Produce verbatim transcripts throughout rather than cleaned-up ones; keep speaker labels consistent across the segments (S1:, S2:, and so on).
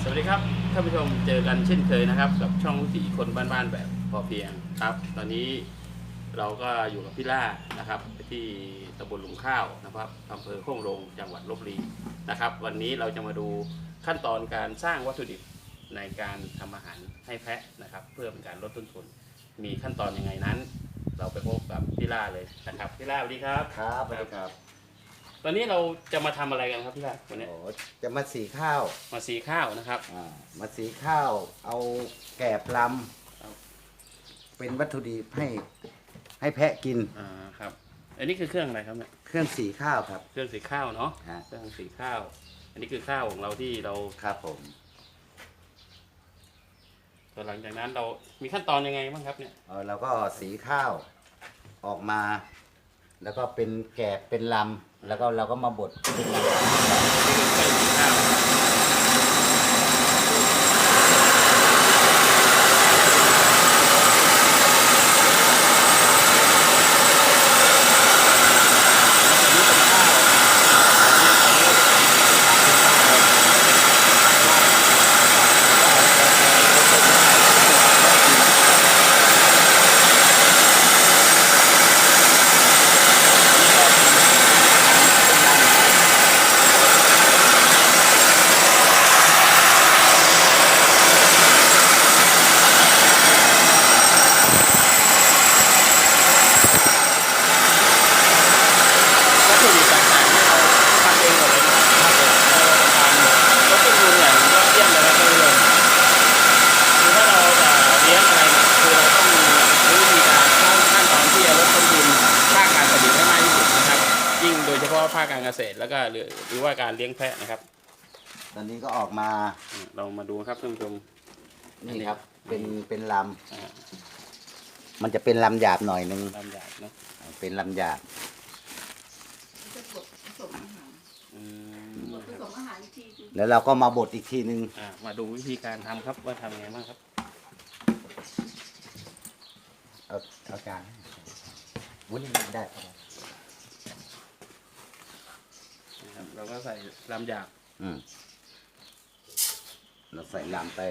S1: วัสดีครับท่านผู้ชมเจอกันเช่นเคยนะครับกับช่องวิถีคนบ้านๆแบบพอเพียงครับตอนนี้เราก็อยู่กับพี่ล่านะครับที่ตำบลหลุมข้าวนะครับอำเภอโค้งโรงจังหวัดลพบุรีนะครับวันนี้เราจะมาดูขั้นตอนการสร้างวัตถุดิบในการทำอาหารให้แพะนะครับเพื่อเป็นการลดต้นทุนมีขั้นตอนยังไงนั้น เราไปพบกับพี่ล่าเลยนะครับพี่ล่าสวัสดีครับ
S2: ครับสวัสดีครับ
S1: ตอนนี้เราจะมาทำอะไรกันครับพี่ล่าวันนี้
S2: โอ้จะมาสีข้าว
S1: มาสีข้าวนะครับ
S2: อ่ามาสีข้าว เอาแกบลำเป็นวัตถุดิบให้ให้แพะกิน
S1: อ่าครับอันนี้คือเครื่องอะไรครับเนี่ย
S2: เครื่องสีข้าวครับ
S1: เครื่องสีข้าวเนาะ
S2: ฮะ
S1: เครื่องสีข้าว อันนี้คือข้าวของเราที่เรา
S2: ครับผม
S1: ต่อหลังจากนั้นเรามีขั้นตอนยังไงบ้างครับเนี่ย
S2: เออเราก็สีข้าวออกมา แล้วก็เป็นแกบเป็นลำแล้วก็เราก็มาบดเป็นลำ
S1: นี่คือเครื่องสีข้าววัตถุดิบต่างๆที่เราทำเองหมดเลยนะครับเราทำรสต้นทุนอย่างยอดเยี่ยมเลยครับท่านผู้ชมคือถ้าเราจะเลี้ยงอะไรเนี่ยคือเราต้องรู้วิธีการขั้นตอนที่จะลดต้นทุนภาคการผลิตให้มากที่สุดนะครับยิ่งโดยเฉพาะภาคการเกษตรแล้วก็หรือหรือว่าการเลี้ยงแพะนะครับ
S2: ตอนนี้ก็ออกมา
S1: เรามาดูครับท่านผู้ชม
S2: นี่ครับ เป็นเป็นล
S1: อ่า
S2: ำมันจะเป็นลำหยาบหน่อยนึง
S1: ลำใหญ่เนาะ
S2: เป็นลำหยาบ
S3: จะบดผสมอาหาร
S1: อืม
S3: บดผสมอาหารอีกทีคือ
S2: แล้วเราก็มาบดอีกทีนึง
S1: อ่ามาดูวิธีการทำครับว่าทำยังไงบ้างครับ
S2: เอาเอาจานวุ้นได้
S1: นะครับเราก็ใส่ลำหยาบ
S2: อืมเราใส่ลำไป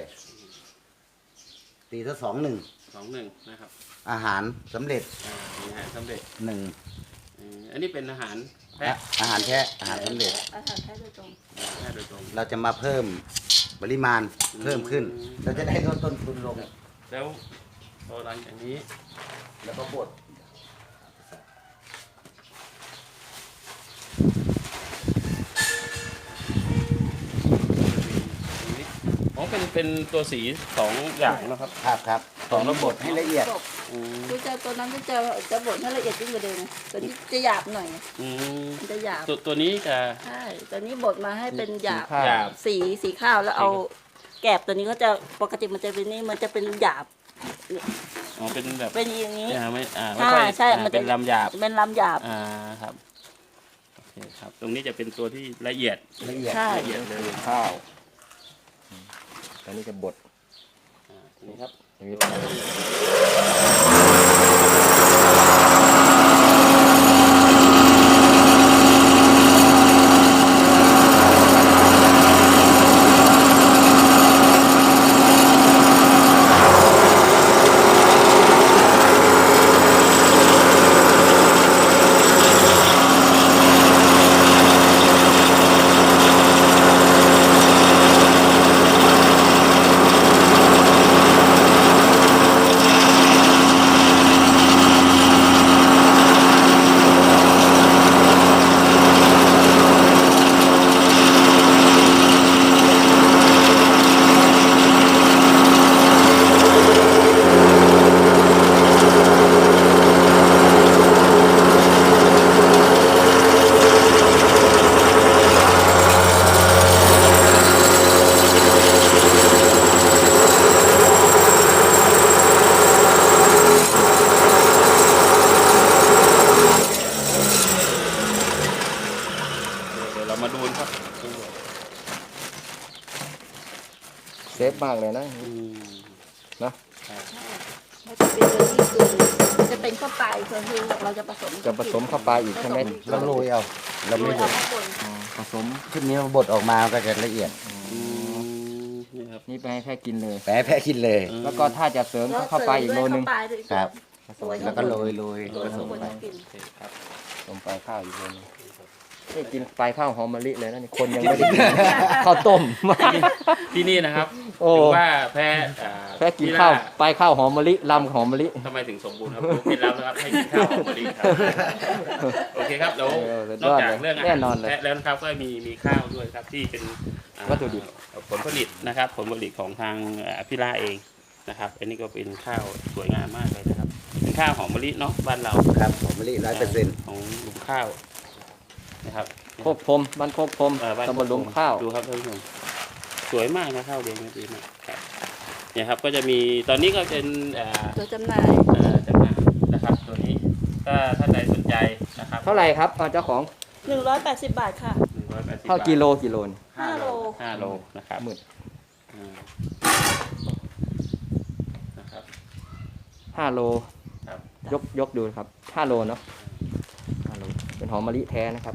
S2: ตีซะสองหนึ่ง
S1: สองหนึ่งนะครับ
S2: อาหารสำเร็จ
S1: อ่ามีอาหารสำเร็จ
S2: หนึ่ง
S1: อืมอันนี้เป็นอาหารแพะ
S2: อาหารแพะอาหารสำเร็จ
S3: อาหารแท้โดยตรง
S1: แพะโดยตรง
S2: เราจะมาเพิ่มปริมาณเพิ่มขึ้น เราจะได้ลดต้นทุนลง
S1: แล้วพอหลังจากนี้
S2: แล้วก็บด
S1: อ๋อเป็นเป็นตัวสีสองอย่างนะครับ
S2: ครับครับของเราบดให้ละเอียด
S3: บด
S1: อืม
S3: คือจะตัวนั้นก็จะจะบดให้ละเอียดยิ่งกว่าเดิมตัวนี้จะหยาบหน่อย
S1: อืม
S3: มันจะหยาบ
S1: ตัวตัวนี้จะ
S3: ใช่ตัวนี้บดมาให้เป็นหยาบ
S1: หยาบ
S3: สีสีข้าวแล้วเอาแกบตัวนี้ก็จะปกติมันจะเป็นนี่มันจะเป็นหยาบ
S1: อ๋อเป็นแบบ
S3: เป็นอย่างนี้
S1: อ่าไม่อ่าไม่
S3: ใช่
S1: ค่อย
S3: ใช่
S1: อ่า
S3: มันจะ
S1: เป็นลำหยาบ
S3: เป็นลำหยาบ
S1: อ่าครับโอเคครับ ตรงนี้จะเป็นตัวที่ละเอียด
S2: ละเอียด
S3: ใช่
S1: ละเอียดเลย
S4: ข้าวตอนนี้จะบด
S1: อ่านี่ครับ
S4: อย่างนี้ เซฟมากเลยนะ
S1: อืม
S4: นะ
S3: มันจะเป็นตัวนี้คือจะเป็นข้าวปลายคือคือเราจะผสม
S4: จะผสมเข้าไปอีกใช่ไหม
S2: เราโรยเอาเรา
S3: โร
S2: ไม่
S3: ย
S2: บ
S3: เอา
S2: ด
S3: ข้างบน
S4: ผสม
S2: ชุดนี้เราบดออกมาก็จะละเอียด
S1: อืมครับ
S4: นี่ไปให้แพะกินเลย
S2: แปะแพะกินเลย
S1: อืม
S4: แล้วก็ถ้าจะเสริมก็เข้าไปอีกโลนึง
S3: เข้าไปด้วย
S2: ครับ
S3: สวย
S2: แล้วก็โรยโรย
S3: โรย
S2: ผส
S3: ข้าง
S2: ม
S3: บน
S2: ไป
S3: ให้กิน
S1: โอเคครับ
S4: ลงไปข้าวอีกโลนึงนี่กินปลายข้าวหอมมะลิเลยนะนี่คนยังไม่ได้กิน ข้าวต้ม
S1: ที่นี่นะครับ
S4: โอ้
S1: ถือว่าแพะอ่า
S4: แพะกิน
S1: ที่
S4: ข้าว
S1: ล่
S4: ปลายข้าวหอมมะลิลำหอมมะลิ
S1: ทำไมถึงสมบูรณ์ครับรู้เคล็ดลับนะครับให้กินข้าวหอมมะลิครับโอเคครับแล้ว
S4: เออสุด
S1: น
S4: ย
S1: อก
S4: อด
S1: จาก
S4: เลย
S1: เรื่องอา
S4: แน่
S1: หาร
S4: นอนเลย
S1: แพะแล้วนะครับก็มีมีข้าวด้วยครับที่เป็นอ่า
S4: วัตถุดิบ
S1: ผลผลิตนะครับ ผลผลิตของทางอ่าพี่ล่าเองนะครับอันนี้ก็เป็นข้าวสวยงามมากเลยนะครับเป็นข้าวหอมมะลิเนาะบ้านเรา
S2: ครับหอมมะลิร้อยเปอร์เซ็นต์
S1: ของลุงข้าวนะครับ
S4: โคกพรมบ้านโคกพรม
S1: เอ่อบ้าน
S4: ตำบลหลุมข้าว
S1: ดูครับท่านผู้ชมสวยมากนะข้าวเรียงนะดีมากครับเนี่ยครับก็จะมีตอนนี้ก็เป็นเอ่อ
S3: ตัวจำหน่าย
S1: เอ่อจำหน่ายนะครับตัวนี้ถ้าท่านใดสนใจนะครับ
S4: เท่าไหร่ครับอ่าเจ้าของ
S3: หนึ่งร้อยแปดสิบบาทค่ะ
S1: หนึ่งร้อยแปดสิบ
S4: เท่า
S1: บาท
S4: กิโลกิโลน
S3: ห้าโล
S1: ห้าโลนะครับ
S4: หมื่น
S1: อืมนะครับ
S4: ห้าโล
S1: ครับ
S4: ยกยกดูครับห้าโลเนาะห้าโลเป็นหอมมะลิแท้นะครับ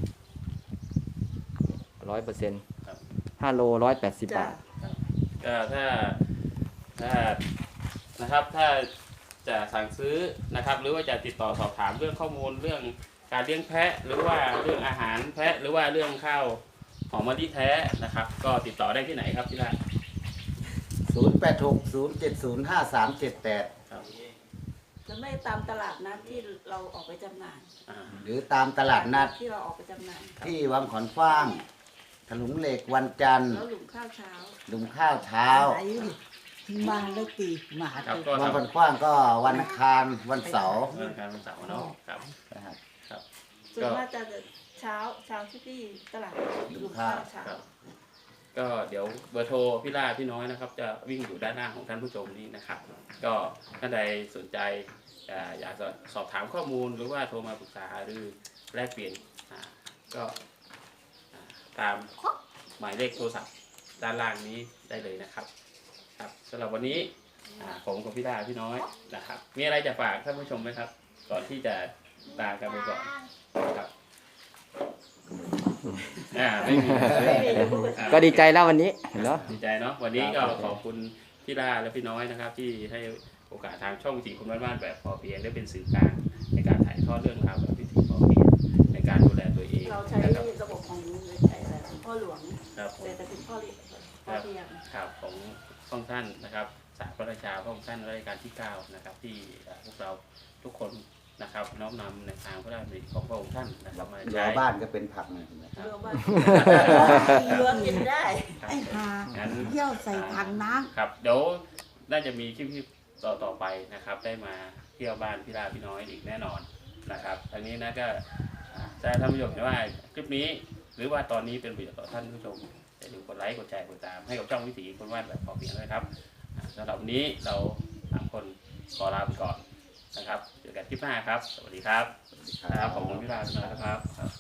S4: ร้อยเปอร์เซ็นต์
S1: ครับ
S4: ห้าโลร้อยแปดสิบ
S3: จ้ะ
S4: บาท
S1: ก็ถ้าถ้านะครับถ้าจะสั่งซื้อนะครับ หรือว่าจะติดต่อสอบถามเรื่องข้อมูลเรื่องการเลี้ยงแพะ หรือว่าเรื่องอาหารแพะ หรือว่าเรื่องข้าวหอมมะลิแท้นะครับ ก็ติดต่อได้ที่ไหนครับที่ร้าน
S2: ศูนย์แปดหกศูนย์เจ็ดศูนย์ห้าสามเจ็ดแปด
S1: ครับ
S3: จะไม่ตามตลาดนัดที่เราออกไปจำหน่าย
S1: อ่า
S2: หรือตามตลาดนัด
S3: ที่เราออกไปจำหน่าย
S2: ที่วังขอนฟ้างถลุงเหล็กวันจันทร์
S3: แล้วหลุมข้าวเช้า
S2: หลุมข้าวเช้า
S5: มาเลยตีมา
S1: ครับ
S5: ตี
S1: ก็
S2: วัง
S1: ทำ
S2: ขอนฟ้างก็วันอังคารวันเสาร์
S1: เรื่องการวันเสาร์เนาะครับ
S2: นะครับ
S1: ครับ
S3: ส่วนมากจะเช้าเช้าที่ตลาดหลุมข้าวเช้า
S1: ครับ ก็เดี๋ยวเบอร์โทรพี่ล่าพี่น้อยนะครับ จะวิ่งอยู่ด้านหน้าของท่านผู้ชมนี้นะครับ ก็ท่านใดสนใจอ่าอยากจะสอบถามข้อมูลหรือว่าโทรมาปรึกษาหรือแลกเปลี่ยนอ่าก็อ่าตามหมายเลขโทรศัพท์ด้านล่างนี้ได้เลยนะครับ ครับสำหรับวันนี้อ่าผมกับพี่ล่าพี่น้อยนะครับ มีอะไรจะฝากท่านผู้ชมไหมครับ ก่อนที่จะลากันไปก่อนครับอ่าไม่มี อ่า
S4: ก็ดีใจแล้ววันนี้เนาะ
S1: ดีใจเนาะวันนี้ก็ขอบคุณพี่ล่าและพี่น้อยนะครับ ที่ให้โอกาสทางช่องวิถีคนบ้านๆแบบพอเพียงได้เป็นสื่อกลางในการถ่ายทอดเรื่องราวแบบวิถีพอเพียงในการดูแลตัวเอง
S3: เราใช้
S1: นะครับ
S3: ระบบของไอ้อะไรพ่อหลวง
S1: ครับผม
S3: เศรษฐกิจพ่อเลี้ยงพ่อเพียง
S1: ข่าวของพระองค์ท่านนะครับสารพระราชาพระองค์ท่านรัชกาลที่เก้านะครับที่เอ่อพวกเราทุกคนนะครับน้อมนำในทางพระราชดำริของพระองค์ท่านนะครับมา
S2: รั้
S1: ใช้
S2: วบ้านก็เป็นผักหน่อยนะครับ
S3: เรือบ้านเรือกินได้
S1: ครับ
S5: ไอ้หา
S1: งั้น
S5: เยี่ยวใส่ถังน้
S1: ครับเดี๋ยวน่าจะมีคลิปที่ต่อต่อไปนะครับ ได้มาเที่ยวบ้านพี่ลาพี่น้อยอีกแน่นอนนะครับอันนี้นะก็อ่าจะท่านผู้ชมเห็นว่าคลิปนี้หรือว่าตอนนี้เป็นประโยชน์ต่อท่านผู้ชมอย่าลืมกดไลค์กดแชร์กดตามให้กับช่องวิถีคนวาดแบบพอเพียงด้วยครับอ่าสำหรับวันนี้เราสามคนขอลาไปก่อนนะครับเจอกันคลิปหน้าครับ สวัสดีครับครับขอบคุณพี่ลาพี่น้อยนะครับ